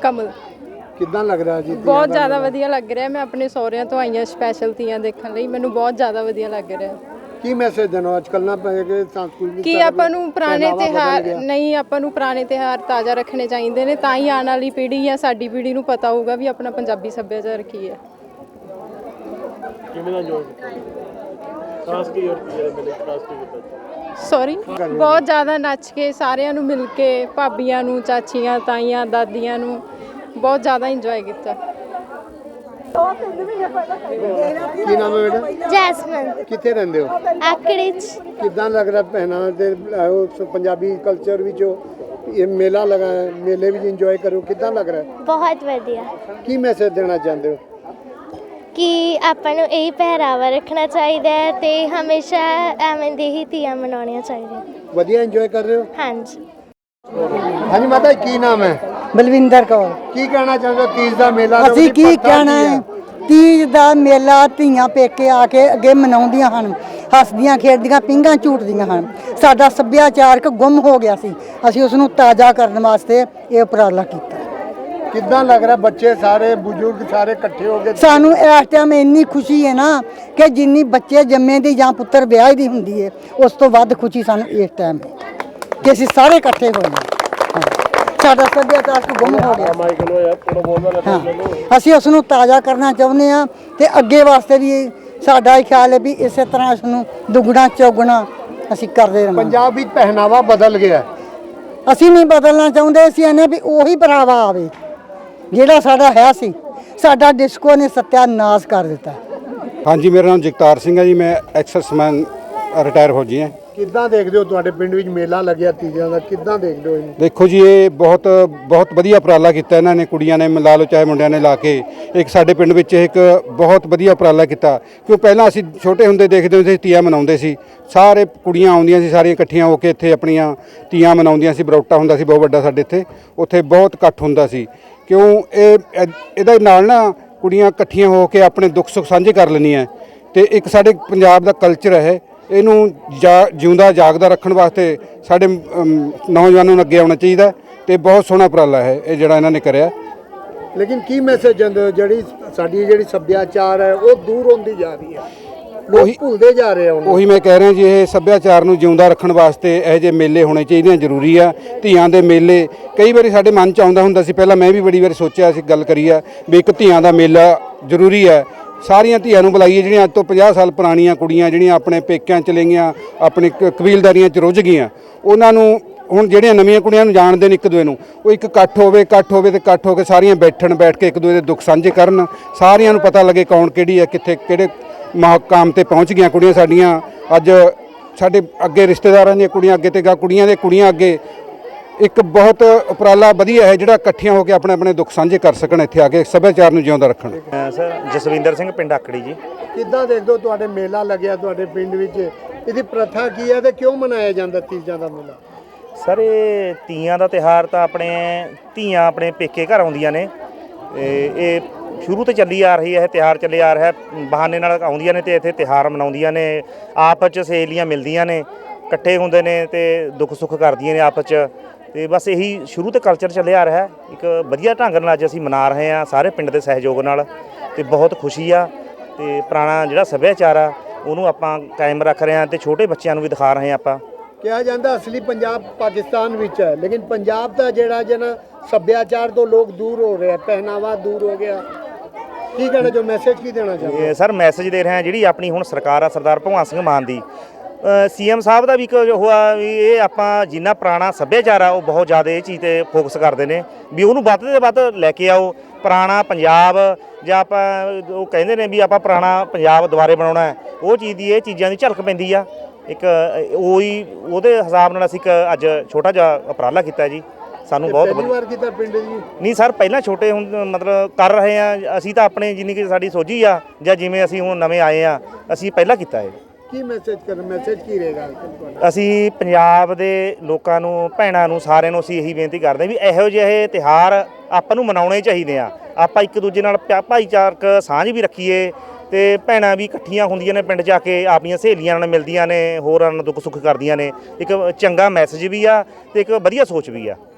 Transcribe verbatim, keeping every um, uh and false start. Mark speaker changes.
Speaker 1: ਕਮਲ।
Speaker 2: ਕਿੱਦਾਂ ਲੱਗ ਰਿਹਾ ਜੀ?
Speaker 1: ਬਹੁਤ ਜ਼ਿਆਦਾ ਵਧੀਆ ਲੱਗ ਰਿਹਾ। ਮੈਂ ਆਪਣੇ ਸਹੁਰਿਆਂ ਤੋਂ ਆਈਆਂ ਸਪੈਸ਼ਲ ਤੀਆਂ ਦੇਖਣ ਲਈ, ਮੈਨੂੰ ਬਹੁਤ ਜ਼ਿਆਦਾ ਵਧੀਆ ਲੱਗ ਰਿਹਾ।
Speaker 2: ਕੀ ਮੈਸੇਜ ਦੇਣਾ ਅੱਜ ਕੱਲ੍ਹ ਨਾ ਪਏ ਕਿ ਸੰਸਕ੍ਰਿਤੀ
Speaker 1: ਕਿ ਆਪਾਂ ਨੂੰ ਪੁਰਾਣੇ ਤਿਉਹਾਰ ਨਹੀਂ, ਆਪਾਂ ਨੂੰ ਪੁਰਾਣੇ ਤਿਉਹਾਰ ਤਾਜ਼ਾ ਰੱਖਣੇ ਚਾਹੀਦੇ ਨੇ, ਤਾਂ ਹੀ ਆਉਣ ਵਾਲੀ ਪੀੜ੍ਹੀ ਜਾਂ ਸਾਡੀ ਪੀੜ੍ਹੀ ਨੂੰ ਪਤਾ ਹੋਊਗਾ ਵੀ ਆਪਣਾ ਪੰਜਾਬੀ ਸੱਭਿਆਚਾਰ ਕੀ ਹੈ।
Speaker 3: ਕਿਵੇਂ ਦਾ ਇੰਜੋਏ ਕੀਤਾ? ਖਾਸ ਕੀ ਹੋਰ ਕੀ ਹੈ ਮੇਰੇ ਖਾਸ ਕੀ ਕੀਤਾ?
Speaker 1: ਸੌਰੀ, ਬਹੁਤ ਜ਼ਿਆਦਾ ਨੱਚ ਕੇ, ਸਾਰਿਆਂ ਨੂੰ ਮਿਲ ਕੇ, ਭਾਬੀਆਂ ਨੂੰ, ਚਾਚੀਆਂ, ਤਾਈਆਂ, ਦਾਦੀਆਂ ਨੂੰ ਬਹੁਤ ਜ਼ਿਆਦਾ ਇੰਜੋਏ ਕੀਤਾ।
Speaker 2: ਕੀ ਨਾਮ ਹੈ ਬੇਟਾ?
Speaker 4: ਜੈਸਮਨ।
Speaker 2: ਕਿੱਥੇ ਰਹਿੰਦੇ ਹੋ?
Speaker 4: ਆਕੜੀ ਚ।
Speaker 2: ਕਿੱਦਾਂ ਲੱਗ ਰਿਹਾ ਪਹਿਨਾ ਤੇ ਉਸ ਪੰਜਾਬੀ ਕਲਚਰ ਵਿੱਚ ਇਹ ਮੇਲਾ ਲਗਾ ਹੈ, ਮੇਲੇ ਵਿੱਚ ਇੰਜੋਏ ਕਰੋ, ਕਿੱਦਾਂ ਲੱਗ ਰਿਹਾ?
Speaker 4: ਬਹੁਤ ਵਧੀਆ।
Speaker 2: ਕੀ ਮੈਸੇਜ ਦੇਣਾ ਚਾਹੁੰਦੇ ਹੋ?
Speaker 4: ਕਿ ਆਪਾਂ ਨੂੰ ਇਹ ਪਹਿਰਾਵਾ ਰੱਖਣਾ ਚਾਹੀਦਾ ਹੈ ਤੇ ਹਮੇਸ਼ਾ ਐਵੇਂ ਦੇ ਹੀ ਤੀਆਂ ਮਨਾਉਣੀਆਂ ਚਾਹੀਦੀਆਂ।
Speaker 2: ਵਧੀਆ ਇੰਜੋਏ ਕਰ ਰਹੇ ਹੋ?
Speaker 4: ਹਾਂਜੀ।
Speaker 2: ਹਾਂਜੀ ਮਾਤਾ, ਕੀ ਨਾਮ ਹੈ?
Speaker 5: ਬਲਵਿੰਦਰ ਕੌਰ।
Speaker 2: ਕੀ ਕਹਿਣਾ ਚਾਹੁੰਦੇ ਹੋ? ਤੀਜ ਦਾ ਮੇਲਾ
Speaker 5: ਅਸੀਂ ਕੀ ਕਹਿਣਾ ਹੈ? ਤੀਜ ਦਾ ਮੇਲਾ ਧੀਆਂ ਪੇਕੇ ਆ ਕੇ ਅੱਗੇ ਮਨਾਉਂਦੀਆਂ ਹਨ, ਹੱਸਦੀਆਂ ਖੇਡਦੀਆਂ, ਪੀਂਘਾਂ ਝੂਟਦੀਆਂ ਹਨ। ਸਾਡਾ ਸੱਭਿਆਚਾਰਕ ਗੁੰਮ ਹੋ ਗਿਆ ਸੀ, ਅਸੀਂ ਉਸ ਨੂੰ ਤਾਜ਼ਾ ਕਰਨ ਵਾਸਤੇ ਇਹ ਉਪਰਾਲਾ ਕੀਤਾ।
Speaker 2: ਕਿੱਦਾਂ ਲੱਗ ਰਿਹਾ? ਬੱਚੇ ਸਾਰੇ, ਬਜ਼ੁਰਗ ਸਾਰੇ ਇਕੱਠੇ ਹੋ ਕੇ
Speaker 5: ਸਾਨੂੰ ਇਸ ਟਾਈਮ ਇੰਨੀ ਖੁਸ਼ੀ ਹੈ ਨਾ ਕਿ ਜਿੰਨੀ ਬੱਚੇ ਜੰਮੇ ਦੀ ਜਾਂ ਪੁੱਤਰ ਵਿਆਹ ਦੀ ਹੁੰਦੀ ਹੈ, ਉਸ ਤੋਂ ਵੱਧ ਖੁਸ਼ੀ ਸਾਨੂੰ ਇਸ ਟਾਈਮ ਹੈ ਕਿ ਅਸੀਂ ਸਾਰੇ ਇਕੱਠੇ ਹੋਏ ਹਾਂ। ਸਾਡਾ ਸੱਭਿਆਚਾਰ ਗੁੰਮ ਹੋ ਗਿਆ। ਹਾਂ, ਅਸੀਂ ਉਸ ਨੂੰ ਤਾਜ਼ਾ ਕਰਨਾ ਚਾਹੁੰਦੇ ਹਾਂ ਤੇ ਅੱਗੇ ਵਾਸਤੇ ਵੀ ਸਾਡਾ ਇਹ ਖਿਆਲ ਹੈ ਵੀ ਇਸੇ ਤਰ੍ਹਾਂ ਇਸ ਨੂੰ ਦੁੱਗਣਾ ਚੌਗਣਾ ਅਸੀਂ ਕਰਦੇ ਰਹਾਂਗੇ।
Speaker 2: ਪੰਜਾਬ ਵਿੱਚ ਪਹਿਨਾਵਾ ਬਦਲ ਗਿਆ।
Speaker 5: ਅਸੀਂ ਨਹੀਂ ਬਦਲਣਾ ਚਾਹੁੰਦੇ, ਅਸੀਂ ਇਹਨੇ ਵੀ ਉਹੀ ਪਹਿਰਾਵਾ ਆਵੇ ਜਿਹੜਾ ਸਾਡਾ ਹੈ ਸੀ। ਸਾਡਾ ਡਿਸਕੋ ਨੇ ਸੱਤਿਆਨਾਸ਼ ਕਰ ਦਿੱਤਾ।
Speaker 6: ਹਾਂਜੀ, ਮੇਰਾ ਨਾਮ ਜਗਤਾਰ ਸਿੰਘ ਹੈ ਜੀ, ਮੈਂ ਐਕਸਰਸਮੈਨ ਰਿਟਾਇਰ ਹੋ ਜੀ ਹਾਂ।
Speaker 2: ਕਿੱਦਾਂ ਦੇਖਦੇ ਹੋ ਤੁਹਾਡੇ ਪਿੰਡ ਵਿੱਚ ਮੇਲਾ ਲੱਗਿਆ ਤੀਜਾਂ ਦਾ, ਕਿੱਦਾਂ ਦੇਖਦੇ ਹੋ ਇਹਨੂੰ?
Speaker 6: ਦੇਖੋ ਜੀ, ਇਹ ਬਹੁਤ ਬਹੁਤ ਵਧੀਆ ਉਪਰਾਲਾ ਕੀਤਾ ਇਹਨਾਂ ਨੇ, ਕੁੜੀਆਂ ਨੇ ਲਾ ਲਓ ਚਾਹੇ ਮੁੰਡਿਆਂ ਨੇ ਲਾ ਕੇ। ਇੱਕ ਸਾਡੇ ਪਿੰਡ ਵਿੱਚ ਇੱਕ ਬਹੁਤ ਵਧੀਆ ਉਪਰਾਲਾ ਕੀਤਾ, ਕਿਉਂ ਪਹਿਲਾਂ ਅਸੀਂ ਛੋਟੇ ਹੁੰਦੇ ਦੇਖਦੇ ਹੁੰਦੇ ਸੀ ਤੀਆਂ ਮਨਾਉਂਦੇ ਸੀ, ਸਾਰੇ ਕੁੜੀਆਂ ਆਉਂਦੀਆਂ ਸੀ ਸਾਰੀਆਂ ਇਕੱਠੀਆਂ ਹੋ ਕੇ ਇੱਥੇ ਆਪਣੀਆਂ ਤੀਆਂ ਮਨਾਉਂਦੀਆਂ ਸੀ। ਬਰੌਟਾ ਹੁੰਦਾ ਸੀ ਬਹੁਤ ਵੱਡਾ ਸਾਡੇ ਇੱਥੇ, ਉੱਥੇ ਬਹੁਤ ਇਕੱਠ ਹੁੰਦਾ ਸੀ। ਕਿਉਂ ਇਹ ਇਹਦੇ ਨਾਲ ਨਾ ਕੁੜੀਆਂ ਇਕੱਠੀਆਂ ਹੋ ਕੇ ਆਪਣੇ ਦੁੱਖ ਸੁੱਖ ਸਾਂਝੇ ਕਰ ਲੈਂਦੀਆਂ। ਅਤੇ ਇੱਕ ਸਾਡੇ ਪੰਜਾਬ ਦਾ ਕਲਚਰ ਹੈ, ਇਹਨੂੰ ਜਾ ਜਿਉਂਦਾ ਜਾਗਦਾ ਰੱਖਣ ਵਾਸਤੇ ਸਾਡੇ ਨੌਜਵਾਨਾਂ ਨੂੰ ਅੱਗੇ ਆਉਣਾ ਚਾਹੀਦਾ ਅਤੇ ਬਹੁਤ ਸੋਹਣਾ ਉਪਰਾਲਾ ਹੈ ਇਹ ਜਿਹੜਾ ਇਹਨਾਂ ਨੇ ਕਰਿਆ।
Speaker 2: ਲੇਕਿਨ ਕੀ ਮੈਸੇਜ ਦਿੰਦੇ ਹੋ? ਜਿਹੜੀ ਸਾਡੀ ਜਿਹੜੀ ਸੱਭਿਆਚਾਰ ਹੈ ਉਹ ਦੂਰ ਹੁੰਦੀ ਜਾ ਰਹੀ ਹੈ, ਲੋਕ ਭੁੱਲਦੇ ਜਾ ਰਹੇ ਹਨ।
Speaker 6: ਉਹੀ ਮੈਂ ਕਹਿ ਰਿਹਾ ਜੀ, ਇਹ ਸੱਭਿਆਚਾਰ ਨੂੰ ਜਿਉਂਦਾ ਰੱਖਣ ਵਾਸਤੇ ਇਹੋ ਜਿਹੇ ਮੇਲੇ ਹੋਣੇ ਚਾਹੀਦੇ, ਜ਼ਰੂਰੀ ਆ। ਧੀਆਂ ਦੇ ਮੇਲੇ ਕਈ ਵਾਰੀ ਸਾਡੇ ਮਨ 'ਚ ਆਉਂਦਾ ਹੁੰਦਾ ਸੀ, ਪਹਿਲਾਂ ਮੈਂ ਵੀ ਬੜੀ ਵਾਰੀ ਸੋਚਿਆ ਸੀ, ਗੱਲ ਕਰੀ ਆ ਵੀ ਇੱਕ ਧੀਆਂ ਦਾ ਮੇਲਾ ਜ਼ਰੂਰੀ ਹੈ। ਸਾਰੀਆਂ ਧੀਆਂ ਨੂੰ ਬੁਲਾਈਏ ਜਿਹੜੀਆਂ ਅੱਜ ਤੋਂ ਪੰਜਾਹ ਸਾਲ ਪੁਰਾਣੀਆਂ ਕੁੜੀਆਂ ਜਿਹੜੀਆਂ ਆਪਣੇ ਪੇਕਿਆਂ ਚਲੇ ਗਈਆਂ, ਆਪਣੀ ਕਬੀਲਦਾਰੀਆਂ 'ਚ ਰੁੱਝ ਗਈਆਂ, ਉਹਨਾਂ ਨੂੰ ਹੁਣ ਜਿਹੜੀਆਂ ਨਵੀਆਂ ਕੁੜੀਆਂ ਨੂੰ ਜਾਣਦੇ ਨੇ ਇੱਕ ਦੂਏ ਨੂੰ, ਉਹ ਇੱਕ ਇਕੱਠ ਹੋਵੇ ਇਕੱਠ ਹੋਵੇ ਅਤੇ ਇਕੱਠ ਹੋ ਕੇ ਸਾਰੀਆਂ ਬੈਠਣ, ਬੈਠ ਕੇ ਇੱਕ ਦੂਏ ਦੇ ਦੁੱਖ ਸਾਂਝੇ ਕਰਨ, ਸਾਰਿਆਂ ਨੂੰ ਪਤਾ ਲੱਗੇ ਕੌਣ ਕਿਹੜੀ ਹੈ, ਕਿੱਥੇ ਕਿਹੜੇ ਮਕਾਮ 'ਤੇ ਪਹੁੰਚ ਗਈਆਂ ਕੁੜੀਆਂ ਸਾਡੀਆਂ। ਅੱਜ ਸਾਡੇ ਅੱਗੇ ਰਿਸ਼ਤੇਦਾਰਾਂ ਦੀਆਂ ਕੁੜੀਆਂ ਅੱਗੇ ਤੇ ਗਾ ਕੁੜੀਆਂ ਦੇ ਕੁੜੀਆਂ ਅੱਗੇ ਇੱਕ ਬਹੁਤ ਉਪਰਾਲਾ ਵਧੀਆ ਹੈ ਜਿਹੜਾ ਇਕੱਠੀਆਂ ਹੋ ਕੇ ਆਪਣੇ ਆਪਣੇ ਦੁੱਖ ਸਾਂਝੇ ਕਰ ਸਕਣ, ਇੱਥੇ ਆ ਕੇ ਸੱਭਿਆਚਾਰ ਨੂੰ ਜਿਉਂਦਾ ਰੱਖਣ।
Speaker 3: ਸਰ ਜਸਵਿੰਦਰ ਸਿੰਘ, ਪਿੰਡ ਆਕੜੀ ਜੀ।
Speaker 2: ਕਿੱਦਾਂ ਦੇਖਦੇ ਹੋ ਤੁਹਾਡੇ ਮੇਲਾ ਲੱਗਿਆ ਤੁਹਾਡੇ ਪਿੰਡ ਵਿੱਚ? ਇਹਦੀ ਪ੍ਰਥਾ ਕੀ ਹੈ ਤੇ ਕਿਉਂ ਮਨਾਇਆ ਜਾਂਦਾ ਤੀਜਾਂ ਦਾ ਮੇਲਾ?
Speaker 3: ਸਰ ਇਹ ਤੀਆਂ ਦਾ ਤਿਉਹਾਰ ਤਾਂ ਆਪਣੇ ਧੀਆਂ ਆਪਣੇ ਪੇਕੇ ਘਰ ਆਉਂਦੀਆਂ ਨੇ, ਇਹ ਸ਼ੁਰੂ ਤੋਂ ਚੱਲੀ ਆ ਰਹੀ ਹੈ, ਇਹ ਤਿਉਹਾਰ ਚੱਲੇ ਆ ਰਿਹਾ, ਬਹਾਨੇ ਨਾਲ ਆਉਂਦੀਆਂ ਨੇ ਤੇ ਇੱਥੇ ਤਿਉਹਾਰ ਮਨਾਉਂਦੀਆਂ ਨੇ, ਆਪਸ 'ਚ ਸਹੇਲੀਆਂ ਮਿਲਦੀਆਂ ਨੇ, ਇਕੱਠੇ ਹੁੰਦੇ ਨੇ ਤੇ ਦੁੱਖ ਸੁੱਖ ਕਰਦੀਆਂ ਨੇ ਆਪਸ 'ਚ। ਤੇ ਬਸ ਇਹੀ ਸ਼ੁਰੂ ਤੋਂ ਕਲਚਰ ਚੱਲਿਆ ਆ ਰਿਹਾ, ਇੱਕ ਵਧੀਆ ਢੰਗ ਨਾਲ ਅੱਜ ਅਸੀਂ ਮਨਾ ਰਹੇ ਹਾਂ ਸਾਰੇ ਪਿੰਡ ਦੇ ਸਹਿਯੋਗ ਨਾਲ, ਤੇ ਬਹੁਤ ਖੁਸ਼ੀ ਆ। ਤੇ ਪੁਰਾਣਾ ਜਿਹੜਾ ਸੱਭਿਆਚਾਰ ਆ ਉਹਨੂੰ ਆਪਾਂ ਕਾਇਮ ਰੱਖ ਰਹੇ ਹਾਂ ਤੇ ਛੋਟੇ ਬੱਚਿਆਂ ਨੂੰ ਵੀ ਦਿਖਾ ਰਹੇ ਹਾਂ। ਆਪਾਂ
Speaker 2: ਕਿਹਾ ਜਾਂਦਾ ਅਸਲੀ ਪੰਜਾਬ ਪਾਕਿਸਤਾਨ ਵਿੱਚ ਹੈ, ਲੇਕਿਨ ਪੰਜਾਬ ਦਾ ਜਿਹੜਾ ਜਨਾ ਸੱਭਿਆਚਾਰ ਤੋਂ ਲੋਕ ਦੂਰ ਹੋ ਰਹੇ, ਪਹਿਨਾਵਾ ਦੂਰ ਹੋ ਗਿਆ। ਕੀ ਕਹਿਣਾ ਜੋ ਮੈਸੇਜ ਕੀ ਦੇਣਾ ਚਾਹੁੰਦੇ?
Speaker 3: ਸਰ ਮੈਸੇਜ ਦੇ ਰਹੇ ਹਾਂ, ਜਿਹੜੀ ਆਪਣੀ ਹੁਣ ਸਰਕਾਰ ਆ ਸਰਦਾਰ ਭਗਵੰਤ ਸਿੰਘ ਮਾਨ ਦੀ, ਸੀ ਐਮ ਸਾਹਿਬ ਦਾ ਵੀ ਇੱਕ ਹੋਆ ਵੀ ਇਹ ਆਪਾਂ ਜਿੰਨਾ ਪੁਰਾਣਾ ਸੱਭਿਆਚਾਰ ਆ ਉਹ ਬਹੁਤ ਜ਼ਿਆਦਾ ਇਹ ਚੀਜ਼ 'ਤੇ ਫੋਕਸ ਕਰਦੇ ਨੇ ਵੀ ਉਹਨੂੰ ਵੱਧ ਤੋਂ ਵੱਧ ਲੈ ਕੇ ਆਓ। ਪੁਰਾਣਾ ਪੰਜਾਬ ਜਾਂ ਆਪਾਂ ਉਹ ਕਹਿੰਦੇ ਨੇ ਵੀ ਆਪਾਂ ਪੁਰਾਣਾ ਪੰਜਾਬ ਦੁਬਾਰੇ ਬਣਾਉਣਾ ਹੈ, ਉਹ ਚੀਜ਼ ਦੀ ਇਹ ਚੀਜ਼ਾਂ ਦੀ ਝਲਕ ਪੈਂਦੀ ਆ। ਇੱਕ ਉਹੀ ਉਹਦੇ ਹਿਸਾਬ ਨਾਲ ਅਸੀਂ ਇੱਕ ਅੱਜ ਛੋਟਾ ਜਿਹਾ ਉਪਰਾਲਾ ਕੀਤਾ ਜੀ। ਸਾਨੂੰ ਬਹੁਤ
Speaker 2: ਪਹਿਲੀ ਵਾਰ ਕੀਤਾ ਪਿੰਡ ਜੀ?
Speaker 3: ਨਹੀਂ ਸਰ, ਪਹਿਲਾਂ ਛੋਟੇ ਹੁਣ ਮਤਲਬ ਕਰ ਰਹੇ ਆ ਅਸੀਂ ਤਾਂ ਆਪਣੇ ਜਿੰਨੀ ਕਿ ਸਾਡੀ ਸੋਝੀ ਆ ਜਾਂ ਜਿਵੇਂ ਅਸੀਂ ਹੁਣ ਨਵੇਂ ਆਏ ਆ, ਅਸੀਂ ਪਹਿਲਾਂ ਕੀਤਾ ਹੈ।
Speaker 2: ਕੀ ਮੈਸੇਜ ਕਰ ਮੈਸੇਜ ਕੀ ਰਹੇਗਾ?
Speaker 3: ਅਸੀਂ ਪੰਜਾਬ ਦੇ ਲੋਕਾਂ ਨੂੰ, ਭੈਣਾਂ ਨੂੰ, ਸਾਰਿਆਂ ਨੂੰ ਅਸੀਂ ਇਹੀ ਬੇਨਤੀ ਕਰਦੇ ਵੀ ਇਹੋ ਜਿਹੇ ਤਿਉਹਾਰ ਆਪਾਂ ਨੂੰ ਮਨਾਉਣੇ ਚਾਹੀਦੇ ਆ। ਆਪਾਂ ਇੱਕ ਦੂਜੇ ਨਾਲ ਭਾਈਚਾਰਕ ਸਾਂਝ ਵੀ ਰੱਖੀਏ ਤੇ ਭੈਣਾਂ ਵੀ ਇਕੱਠੀਆਂ ਹੁੰਦੀਆਂ ਨੇ ਪਿੰਡ ਜਾ ਕੇ, ਆਪਣੀਆਂ ਸਹੇਲੀਆਂ ਨਾਲ ਮਿਲਦੀਆਂ ਨੇ, ਹੋਰਾਂ ਨਾਲ ਦੁੱਖ ਸੁੱਖ ਕਰਦੀਆਂ ਨੇ। ਇੱਕ ਚੰਗਾ ਮੈਸੇਜ ਵੀ ਆ ਤੇ ਇੱਕ ਵਧੀਆ ਸੋਚ ਵੀ ਆ।